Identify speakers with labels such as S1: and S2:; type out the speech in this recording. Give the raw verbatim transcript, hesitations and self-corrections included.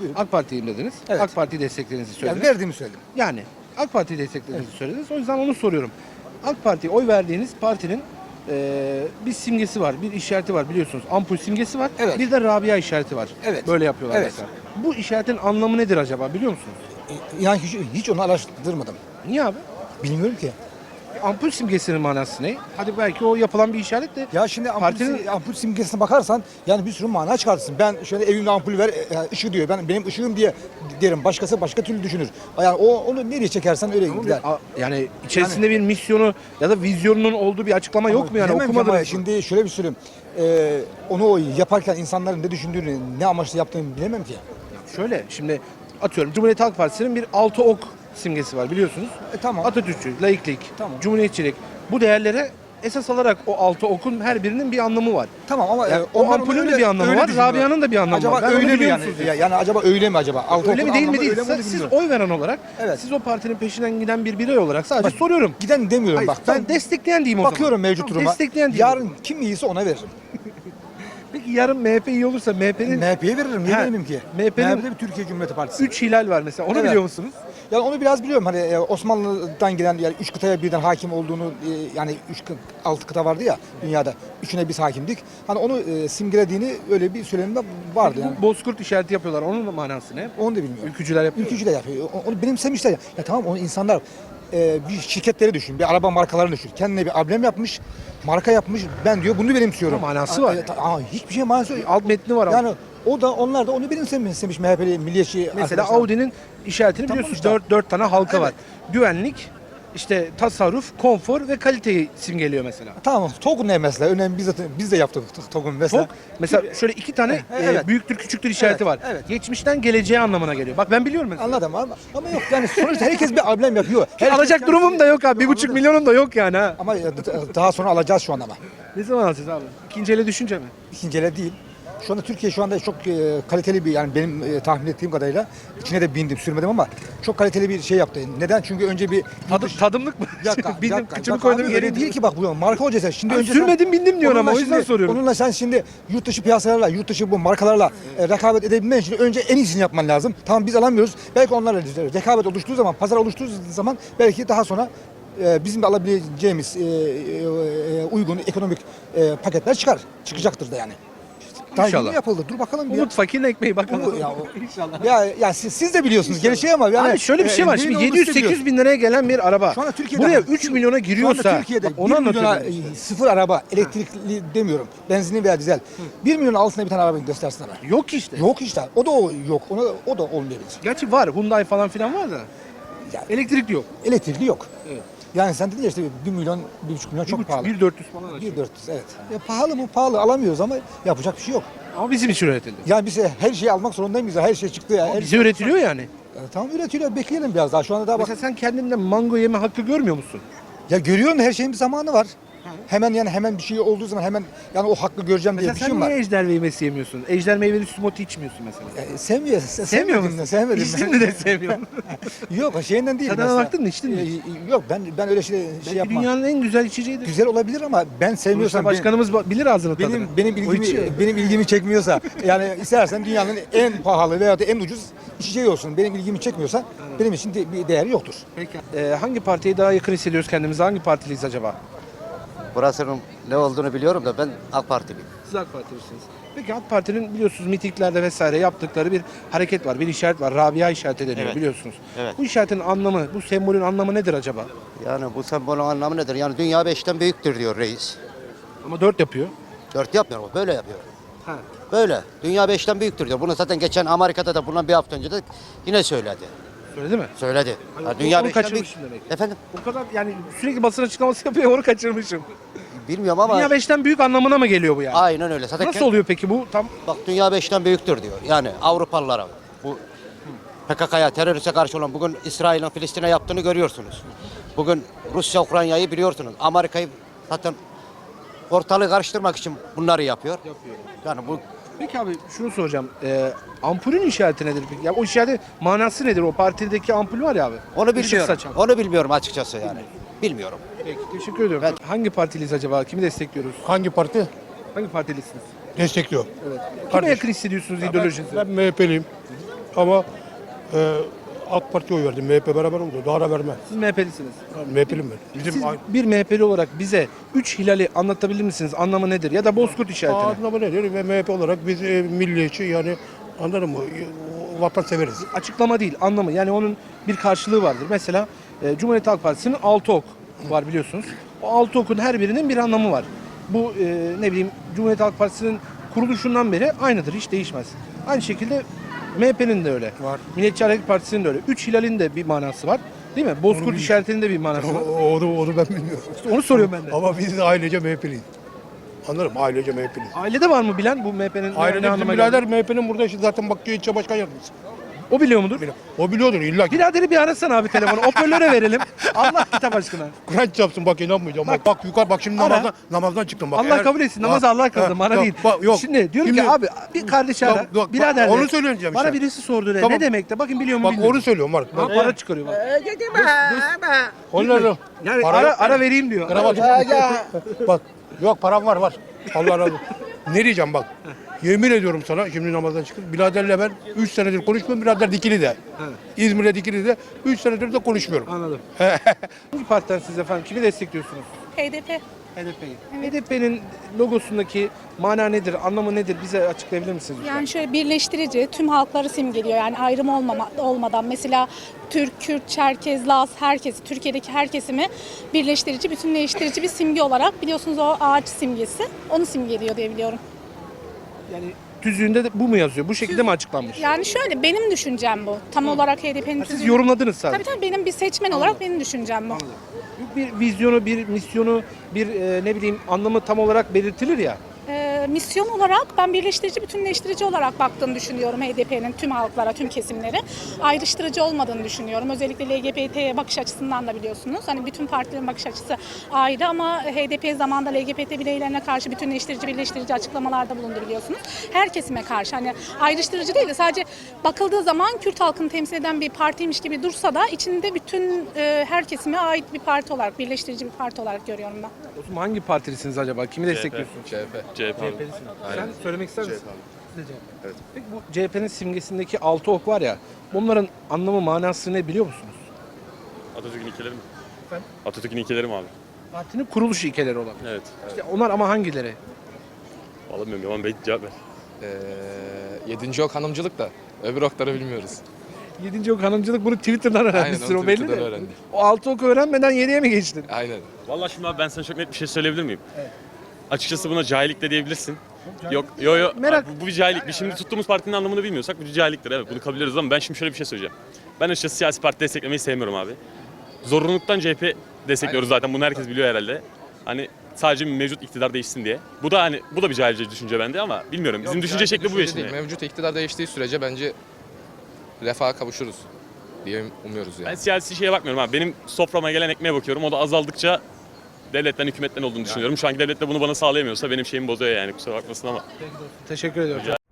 S1: buyurun.
S2: AK Parti'yim dediniz.
S1: Evet.
S2: AK Parti'yi desteklediğinizi
S1: Yani
S2: söylediniz.
S1: verdiğimi söyledim.
S2: Yani AK Parti'yi desteklediğinizi söylediniz. O yüzden onu soruyorum. AK Parti'ye oy verdiğiniz partinin e, bir simgesi var, bir işareti var biliyorsunuz. Ampul simgesi var.
S1: Evet.
S2: Bir de Rabia işareti var.
S1: Evet.
S2: Böyle yapıyorlar
S1: Evet.
S2: mesela. Bu işaretin anlamı nedir acaba biliyor musunuz?
S1: E, Yani hiç, hiç onu araştırmadım.
S2: Niye abi?
S1: Bilmiyorum ki.
S2: Ampul simgesinin manası ne? Hadi belki o yapılan bir işaret de
S1: Ya şimdi ampul,
S2: partinin
S1: ampul simgesine bakarsan yani bir sürü mana çıkartırsın. Ben şöyle evimde ampul ver, e, ışığı diyor. Ben benim ışığım diye derim. Başkası başka türlü düşünür. Yani o onu nereye çekersen öyle
S2: Ama
S1: gider.
S2: bir- a- yani içerisinde bir misyonu ya da vizyonunun olduğu bir açıklama yok mu yani
S1: Bilemem ki
S2: okumadınız
S1: ama
S2: mı?
S1: şimdi şöyle bir söyleyeyim. Ee, onu o yaparken insanların ne düşündüğünü, ne amaçla yaptığını bilemem ki.
S2: Şöyle şimdi atıyorum Cumhuriyet Halk Partisi'nin bir altı ok simgesi var biliyorsunuz.
S1: E, tamam.
S2: Atatürkçü, laiklik,
S1: Tamam.
S2: cumhuriyetçilik bu değerlere esas alarak o altı okun her birinin bir anlamı var.
S1: Tamam ama
S2: Yani
S1: e,
S2: o
S1: onlar
S2: ampulün
S1: onu
S2: de
S1: öyle-
S2: bir anlamı
S1: öyle
S2: var,
S1: düşünüyorlar.
S2: Rabia'nın da bir anlamı
S1: acaba
S2: var. Ben onu
S1: öyle mi
S2: biliyor
S1: yani?
S2: musunuz?
S1: Ya- Yani acaba öyle mi acaba? Altı
S2: Öyle mi
S1: okun
S2: değil mi
S1: anlamı
S2: değil.
S1: öyle mi, onu
S2: Siz
S1: bilmiyorum.
S2: oy veren olarak
S1: Evet.
S2: siz o partinin peşinden giden bir birey olarak sadece
S1: Bak,
S2: soruyorum.
S1: Giden demiyorum
S2: Hayır,
S1: bak.
S2: ben destekleyen diyeyim o zaman.
S1: bakıyorum mevcut
S2: Tamam,
S1: duruma.
S2: destekleyen diyeyim.
S1: Yarın kim iyiyse ona veririm.
S2: Peki yarın M H P iyi olursa M H P'nin
S1: M H P'ye veririm. Niye
S2: Ha,
S1: vermem ki?
S2: M H P'nin
S1: M H P'de bir Türkiye Cumhuriyeti Partisi.
S2: üç hilal var mesela. Onu
S1: Evet.
S2: biliyor musunuz?
S1: Yani onu biraz biliyorum. Hani e, Osmanlı'dan gelen yani üç kıtaya birden hakim olduğunu e, yani üç kı- altı kıta vardı ya dünyada. Üçüne biz hakimdik. Hani onu e, simgelediğini öyle bir söylemde vardı yani.
S2: Bu Bozkurt işareti yapıyorlar. Onun da manası ne?
S1: Onu da bilmiyorum.
S2: Ülkücüler yapıyor.
S1: Ülkücü de yapıyor. O- Onu benimsemişler. Ya, ya tamam onu insanlar e, bir şirketleri düşün, bir araba markalarını düşün. Kendine bir amblem yapmış, marka yapmış. Ben diyor bunu benimsiyorum.
S2: Ama manası
S1: Aa,
S2: var.
S1: e, ta- aa, hiçbir şey manası yok.
S2: Alt metni var.
S1: Yani o da onlar da onu benimsemiş M H P'li milliyetçi
S2: Mesela
S1: arkadaşlar.
S2: Audi'nin işaretini
S1: Tamam
S2: biliyorsunuz.
S1: işte.
S2: Dört, dört tane halka
S1: Evet.
S2: var. Güvenlik, işte tasarruf, konfor ve kaliteyi simgeliyor mesela.
S1: Tamam. TOG'un ne mesela? Önemli biz de, biz de yaptık TOG'un mesela.
S2: Çok mesela şöyle iki tane
S1: Evet,
S2: e,
S1: evet.
S2: büyüktür küçüktür işareti
S1: Evet,
S2: var.
S1: evet.
S2: Geçmişten geleceğe anlamına geliyor. Bak ben biliyorum mesela.
S1: Anladım ama, ama yok yani sonuçta herkes bir amblem yapıyor. Herkes
S2: Alacak
S1: kendisi-
S2: durumum da yok abi. Bir buçuk
S1: Anladım.
S2: milyonum da yok yani ha.
S1: Ama e, daha sonra alacağız şu an ama.
S2: Ne zaman alacağız abi? İkinci ele düşünce mi?
S1: İkinci ele değil. Şu anda Türkiye şu anda çok e, kaliteli bir yani benim e, tahmin ettiğim kadarıyla içine de bindim sürmedim ama çok kaliteli bir şey yaptı. Neden? Çünkü önce bir
S2: Tadım, tadımlık mı?
S1: Bir dakika, bir
S2: Bindim,
S1: dakika,
S2: kıçımı
S1: bir dakika
S2: koydum
S1: abi,
S2: yere
S1: öyle değil ki bak bu marka hocası. Şimdi
S2: Abi
S1: önce
S2: sürmedim, bindim diyorsun ama
S1: onunla
S2: o yüzden
S1: şimdi-
S2: soruyorum.
S1: Onunla sen şimdi yurt dışı piyasalarla, yurt dışı bu markalarla e, rekabet edebilmen için önce en iyisini yapman lazım. Tamam biz alamıyoruz. Belki onlarla rekabet oluştuğu zaman, pazar oluştuğu zaman belki daha sonra e, bizim de alabileceğimiz e, e, e, uygun ekonomik e, paketler çıkar. Çıkacaktır da yani. Daha
S2: İnşallah.
S1: yeni yapıldı. Dur bakalım bir.
S2: Umut fakirin ekmeği bakalım.
S1: Bu- ya o-
S2: İnşallah.
S1: Ya, ya siz, siz de biliyorsunuz gelişiyor ama yani
S2: Abi şöyle bir şey var.
S1: e,
S2: Şimdi
S1: neyin
S2: yedi yüz
S1: olduğunu siz
S2: sekiz bin liraya gelen bir araba.
S1: Şu anda Türkiye'de
S2: buraya
S1: ama-
S2: üç milyona
S1: Şu
S2: giriyorsa
S1: anda Türkiye'de
S2: bak onu
S1: bir milyona
S2: anlatıyorum.
S1: e,
S2: işte.
S1: sıfır araba, elektrikli demiyorum. Benzinli veya dizel. bir milyon altında bir tane araba göstersin bana.
S2: Yok işte.
S1: Yok işte. O da o yok. Ona, o da olmayabilir.
S2: Gerçi var. Hyundai falan filan var da.
S1: Yani
S2: Elektrikli yok.
S1: elektrikli yok.
S2: Evet.
S1: Yani sen dedin ya işte bir milyon, bir buçuk milyon çok pahalı.
S2: bir dört yüz falan.
S1: Bir dört yüz evet. Ya pahalı mı? Pahalı alamıyoruz ama yapacak bir şey yok.
S2: Ama bizim için üretildi.
S1: Yani biz her şeyi almak zorunda mıyız? Her şey çıktı ya. Her
S2: Bize üretiliyor yani.
S1: E, tamam üretiliyor. Bekleyelim biraz daha. Şu anda daha bak.
S2: Mesela sen kendinden mango yeme hakkı görmüyor musun?
S1: Ya görüyorum da her şeyin bir zamanı var. Hemen yani hemen bir şey olduğu zaman hemen yani o hakkı göreceğim diye
S2: Mesela
S1: bir
S2: sen
S1: şey mi var?
S2: niye ejder meyvesi yemiyorsun? Ejder meyveli smoothie içmiyorsun mesela.
S1: E, sevmiyor.
S2: Sevmiyor
S1: Sevmedim
S2: musun?
S1: de, sevmedim.
S2: İçtin mi de sevmiyorum.
S1: Yok şeyinden değil.
S2: Tadına
S1: mesela.
S2: baktın mı, içtin mi?
S1: E, Yok ben ben öyle şey, şey
S2: Belki
S1: yapmam.
S2: dünyanın en güzel içeceğidir.
S1: Güzel olabilir ama ben
S2: Sonuçta
S1: sevmiyorsam benim,
S2: başkanımız ba- bilir ağzını tadını.
S1: benim benim
S2: O
S1: ilgimi
S2: içiyor.
S1: benim ilgimi çekmiyorsa yani istersen dünyanın en pahalı veya da en ucuz içeceği olsun. Benim ilgimi çekmiyorsa benim için de bir değeri yoktur.
S2: Peki. Ee, hangi partiye daha yakın hissediyoruz kendimizi? Hangi partiliyiz acaba?
S3: Burasının ne olduğunu biliyorum da ben AK Partiliyim.
S2: Siz AK Partilisiniz. Peki AK Parti'nin biliyorsunuz mitinglerde vesaire yaptıkları bir hareket var, bir işaret var. Rabia işareti deniyor
S3: Evet.
S2: biliyorsunuz.
S3: Evet.
S2: Bu işaretin anlamı, bu sembolün anlamı nedir acaba?
S3: Yani bu sembolün anlamı nedir? Yani dünya beşten büyüktür diyor reis.
S2: Ama dört yapıyor.
S3: Dört yapmıyor o, böyle yapıyor.
S2: Ha.
S3: Böyle. Dünya beşten büyüktür diyor. Bunu zaten geçen Amerika'da da bundan bir hafta önce de yine söyledi.
S2: Söyledi mi?
S3: Söyledi.
S2: Hayır,
S3: Ya
S2: o-
S3: dünya
S2: onu
S3: beşten büyük.
S2: kaçırmışım demek.
S3: Efendim?
S2: O kadar yani sürekli basın açıklaması yapıyor, onu kaçırmışım.
S3: Bilmiyorum ama
S2: Dünya beşten büyük anlamına mı geliyor bu yani?
S3: aynen öyle. Zaten
S2: Nasıl
S3: kend-
S2: oluyor peki bu? Tam
S3: Bak dünya beşten büyüktür diyor. Yani Avrupalılara bu P K K'ya teröriste karşı olan bugün İsrail'in Filistin'e yaptığını görüyorsunuz. Bugün Rusya Ukrayna'yı biliyorsunuz. Amerika'yı zaten ortalığı karıştırmak için bunları yapıyor.
S2: yapıyor.
S3: Yani bu
S2: Peki abi şunu soracağım. Ee, ampulün işareti nedir peki? Ya o işaretin manası nedir? O partideki ampul var ya abi.
S3: onu
S2: Işık
S3: bilmiyorum.
S2: saçan.
S3: Onu bilmiyorum açıkçası yani. Bilmiyorum.
S2: Peki teşekkür ediyorum. Hangi partiliyiz acaba? Kimi destekliyoruz?
S4: Hangi parti?
S2: Hangi partilisiniz?
S4: Destekliyor.
S2: Evet. Kime
S4: Kardeş.
S2: yakın hissediyorsunuz ideolojinizi?
S4: Ben M H P'liyim. ama e, AK Parti'ye oy verdim. M H P beraber oldu. Daha da vermem.
S2: Siz M H P'lisiniz.
S4: M H P'lim ben. Bizim
S2: Siz
S4: aynı.
S2: bir M H P'li olarak bize üç hilali anlatabilir misiniz? Anlamı nedir? Ya da bozkurt işaretini.
S4: Anlamı nedir? Ve M H P olarak biz e, milliyetçi yani anladın mı? E, Vatan severiz.
S2: Açıklama değil, anlamı. Yani onun bir karşılığı vardır. Mesela e, Cumhuriyet Halk Partisi'nin altı ok var biliyorsunuz. O altı okun her birinin bir anlamı var. Bu e, ne bileyim Cumhuriyet Halk Partisi'nin kuruluşundan beri aynıdır, hiç değişmez. Aynı şekilde M H P'nin de öyle.
S4: Var.
S2: Milliyetçi Hareket Partisi'nin de öyle. Üç hilalin de bir manası var. Değil mi? Bozkurt
S4: bil-
S2: işaretinin de bir manası var.
S4: O- Onu, onu ben bilmiyorum.
S2: İşte onu soruyorum ben de.
S4: Ama biz de ailece M H P'liyiz. Anladın mı? Ailece M H P'liyiz.
S2: Ailede var mı bilen bu M H P'nin ne
S4: Ailede bizim
S2: anlama
S4: birader
S2: geldiğini?
S4: M H P'nin burada işte zaten bak ilçe başkan yardımcısı.
S2: O biliyor mudur?
S4: O biliyordur illa ki.
S2: Biraderi bir arasana abi telefonu. Hoparlöre verelim. Allah kitap aşkına.
S4: Kur'an çarpsın bak inanmayacağım. Bak, bak yukarı bak şimdi
S2: Ara.
S4: namazdan, namazdan çıktım bak.
S2: Allah
S4: Eğer-
S2: kabul etsin. Namazı
S4: Bak,
S2: Allah kıldı.
S4: ha,
S2: Bana
S4: bak,
S2: değil.
S4: bak, yok.
S2: Şimdi diyorum ki
S4: Şimdi-
S2: abi bir kardeşi ara.
S4: Yok, yok, bak,
S2: Birader
S4: onu
S2: de.
S4: söyleyeceğim
S2: Bana
S4: işte.
S2: birisi sordu de.
S4: Tamam.
S2: Ne demek de? Bakın biliyor mu
S4: Bak
S2: bilmiyorum.
S4: onu söylüyorum bak.
S2: Ha,
S4: bak.
S2: para çıkarıyor bak.
S4: Onları
S2: Yani
S4: para
S2: ara,
S4: yok.
S2: ara vereyim diyor.
S4: Kravat. Bak yok param var var. Allah razı olsun. Ne diyeceğim bak. Yemin ediyorum sana şimdi namazdan çıkıp biraderle ben üç senedir konuşmuyorum. Birader dikili de. İzmir'de dikili de üç senedir de konuşmuyorum.
S2: Anladım. Hangi partiden siz efendim? Kimi destekliyorsunuz?
S5: H D P.
S2: H D P'yi. H D P'nin logosundaki mana nedir, anlamı nedir? Bize açıklayabilir misiniz? lütfen?
S5: Yani şöyle birleştirici, tüm halkları simgeliyor. Yani ayrım olmama, olmadan mesela Türk, Kürt, Çerkez, Laz, herkesi, Türkiye'deki her kesimi birleştirici, bütünleştirici bir simge olarak biliyorsunuz o ağaç simgesi. Onu simgeliyor diye biliyorum.
S2: Yani tüzüğünde de bu mu yazıyor? Bu şekilde mi açıklanmış?
S5: Yani şöyle benim düşüncem bu. Tam olarak H D P'nin
S2: Ha, siz
S5: tüzüğü-
S2: yorumladınız sadece.
S5: Tabii tabii benim bir seçmen olarak benim düşüncem bu.
S2: Bir vizyonu, bir misyonu, bir e, ne bileyim anlamı tam olarak belirtilir ya.
S5: Ee, misyon olarak ben birleştirici, bütünleştirici olarak baktığını düşünüyorum H D P'nin tüm halklara, tüm kesimlere. Ayrıştırıcı olmadığını düşünüyorum. Özellikle L G B T bakış açısından da biliyorsunuz. Hani bütün partilerin bakış açısı ayrı ama H D P zamanında L G B T bireylerine karşı bütünleştirici, birleştirici açıklamalarda bulundu biliyorsunuz. Her kesime karşı hani ayrıştırıcı değil de sadece bakıldığı zaman Kürt halkını temsil eden bir partiymiş gibi dursa da içinde bütün e, her kesime ait bir parti olarak, birleştirici bir parti olarak görüyorum ben.
S2: O zaman hangi partilisiniz acaba? Kimi destekliyorsunuz?
S6: C H P. C H P.
S2: Sen söylemek ister misin? Siz de C H P. Peki bu C H P'nin simgesindeki altı ok var ya, bunların anlamı, manası ne biliyor musunuz?
S6: Atatürk'ün ilkeleri mi?
S2: Efendim?
S6: Atatürk'ün ilkeleri mi abi?
S2: Partinin kuruluş ilkeleri olan.
S6: Evet.
S2: İşte onlar ama hangileri?
S6: Vallahi bilmiyorum ama belki cevap ver.
S7: Ee, yedinci ok hanımcılık da öbür okları bilmiyoruz.
S2: Yedinci ok hanımcılık bunu Twitter'dan öğrenmişsin
S7: Aynen, onu
S2: o belli
S7: Twitter'dan
S2: de.
S7: öğrendim.
S2: O altı oku öğrenmeden yediye mi geçtin?
S7: Aynen.
S6: Vallahi şimdi abi ben sana çok net bir şey söyleyebilir miyim? Açıkçası buna cahillik de diyebilirsin. Yok, yo yo.
S2: Merak-
S6: Abi bu, bu bir cahillik. Biz şimdi tuttuğumuz partinin anlamını bilmiyorsak bu bir cahilliktir. Evet, bunu kabul ediyoruz ama ben şimdi şöyle bir şey söyleyeceğim. Ben açıkçası siyasi parti desteklemeyi sevmiyorum abi. Zorunluluktan C H P destekliyoruz zaten. Bunu herkes biliyor herhalde. Hani sadece mevcut iktidar değişsin diye. Bu da hani bu da bir cahilce düşünce bende ama bilmiyorum. Bizim
S7: Yok,
S6: düşünce
S7: yani
S6: şekli bu
S7: düşünce
S6: şimdi.
S7: değil. Mevcut iktidar değiştiği sürece bence refaha kavuşuruz diye umuyoruz yani.
S6: Ben siyasi şeye bakmıyorum abi. Benim soframa gelen ekmeğe bakıyorum. O da azaldıkça devletten, hükümetten olduğunu düşünüyorum. Şu anki devlet de bunu bana sağlayamıyorsa benim şeyimi bozuyor yani. Kusura bakmasın ama.
S2: Teşekkür ediyorum.